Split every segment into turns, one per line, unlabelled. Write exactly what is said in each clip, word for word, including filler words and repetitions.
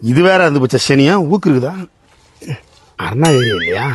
இது வேற அந்த பச்சை சனியா ஊக்கு இருக்குதா? அண்ணா ஏரியா இல்லையா?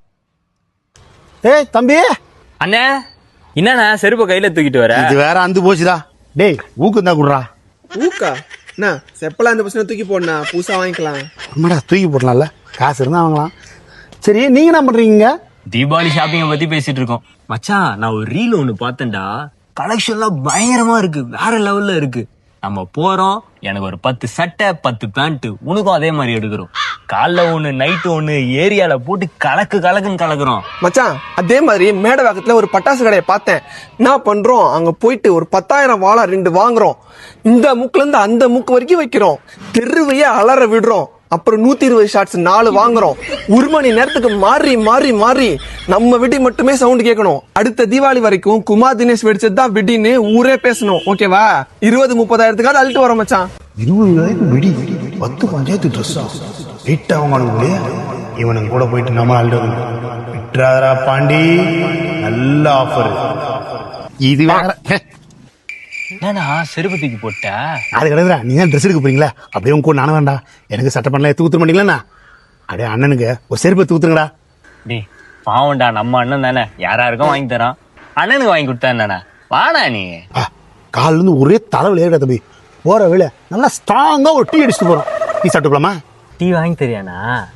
ஏய் தம்பி
அண்ணே, என்னண்ணா செருப்ப கையில தூக்கிட்டு வர?
இது வேற அந்து போச்சுடா. டேய் ஊக்கு தான் குடுறா.
ஊக்கா என்ன செப்பலா அந்த பசங்க தூக்கி போடனா புதுசா வாங்கிக்கலாம்.
ஆமாடா தூக்கி போடலாம்ல, காசு இருந்தா வாங்கலாம். சரி நீங்க என்ன பண்றீங்க?
தீபாவளி ஷாப்பிங்க பத்தி பேசிட்டு இருக்கோம். மச்சான், நான் ஒரு ரீல் ஒண்ணு பார்த்தேன்டா. கலெக்ஷன்லாம் பயங்கரமா இருக்கு, வேற லெவல்ல இருக்கு. நம்ம போறோம், எனக்கு ஒரு பத்து சட்டை பத்து பேண்ட், உனக்கும் அதே மாதிரி எடுக்கிறோம். காலைல ஒண்ணு நைட்டு ஒண்ணு ஏரியால போட்டு கலக்கு கலக்குன்னு கலக்குறோம்.
மச்சான் அதே மாதிரி மேடவாக்கத்துல ஒரு பட்டாசு கடையை பார்த்தேன். என்ன பண்றோம், அங்க போயிட்டு ஒரு பத்தாயிரம் வாழை ரெண்டு வாங்குறோம். இந்த முக்குல இருந்து அந்த முக்கு வரைக்கும் வைக்கிறோம். தெருவையே அலற விடுறோம். அப்புறம் நூத்தி இருபது ஷாட்ஸ் நாலு வாங்குறோம். ஒரு மணி நேரத்துக்கு மாறி மாறி மாறி நம்ம வெடி மட்டுமே சவுண்ட் கேட்கணும். அடுத்த தீபாவளி வரைக்கும் குமார் தினேஷ் வெடிச்சதுதான் வெடின்னு ஊரே பேசணும். ஓகேவா? இருபது முப்பதாயிரத்துக்காவது அழுட்டு வரோம் மச்சான்.
இருபதாயிரம் வெடி, பத்து பஞ்சாயத்து ட்ரெஸ்ஸா வெயிட் ஆகுங்க. இவனுங்க கூட போயிட்டு நம்ம அழுது விட்டுறாதரா பாண்டி. நல்ல ஆஃபர் இது வேற.
என்னண்ணா செருப்பு தூக்கி போட்ட?
அது கிடையாதுடா, நீ தான் ட்ரெஸ் எடுக்க போறீங்களா? அப்படியே உங்க கூட நானும் வேண்டா. எனக்கு சட்டை பண்ணல தூத்துற மாட்டீங்களா? அப்படியே அண்ணனுக்கு ஒரு செருப்பை தூத்துங்கடா.
டேய் பாவண்டா, நம்ம அண்ணன் தானே, யாராருக்கும் வாங்கி தரான். அண்ணனுக்கு வாங்கி கொடுத்தா என்னண்ணா? வாடா நீ.
காலில இருந்து ஒரே தலைவலி ஏறிடா தம்பி. போற வேலை நல்லா ஸ்ட்ராங்கா ஒரு டீ அடிச்சுட்டு போறோம். டீ சாப்பிட்டுக்கலாமா?
டீ வாங்கி தெரியாண்ணா?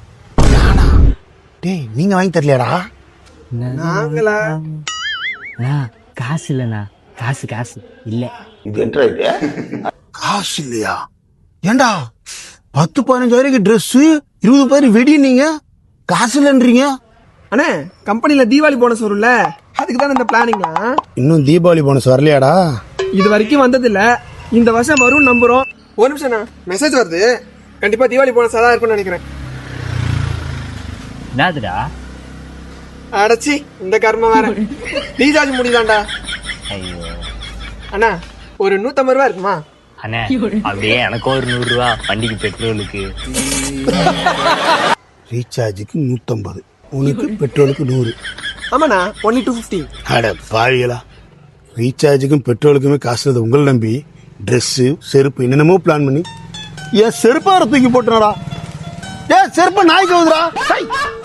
டேய் நீங்க வாங்கி தரலையாடா?
நாங்களா?
காசு இல்லண்ணா, காசு காசு இல்ல.
இது என்ன காசு இல்லையா? ஏண்டா பத்து பதினஞ்சாயிரம் ட்ரெஸ், இருபது பேர் வெடி, நீங்க காசு இல்லைன்றீங்க?
அண்ணே கம்பெனில தீபாவளி போனஸ் வரும்ல, அதுக்கு தானே இந்த பிளானிங்லாம்.
இன்னும் தீபாவளி போனஸ் வரலையாடா?
இது வரைக்கும் வந்தது இல்ல, இந்த வருஷம் வரும் நம்புறோம். ஒரு நிமிஷம் மெசேஜ் வருது. கண்டிப்பா தீபாவளி போனஸ் தான் இருக்கும்னு நினைக்கிறேன்.
என்னதுடா?
அடைச்சி இந்த கர்மம் வேற. ரீசார்ஜ் முடியுதாண்டா?
ஐயோ
அண்ணா ஒரு நூத்தம்பது ரூபா இருக்குமா?
அண்ணே அப்படியே எனக்கு ஒரு நூறு ரூபா வண்டிக்கு பெட்ரோலுக்கு.
ரீசார்ஜுக்கு நூத்தம்பது, உனக்கு பெட்ரோலுக்கு நூறு.
ஆமாண்ணா ஒன்லி டூ பிப்டி.
அட பாவிகளா, ரீசார்ஜுக்கும் பெட்ரோலுக்குமே காசு இல்லை உங்களை நம்பி ட்ரெஸ்ஸு செருப்பு என்னென்னமோ பிளான் பண்ணி என் செருப்பா தூக்கி போட்டுனாடா. ஏன் செருப்ப நாய்க்கு வந்துடா.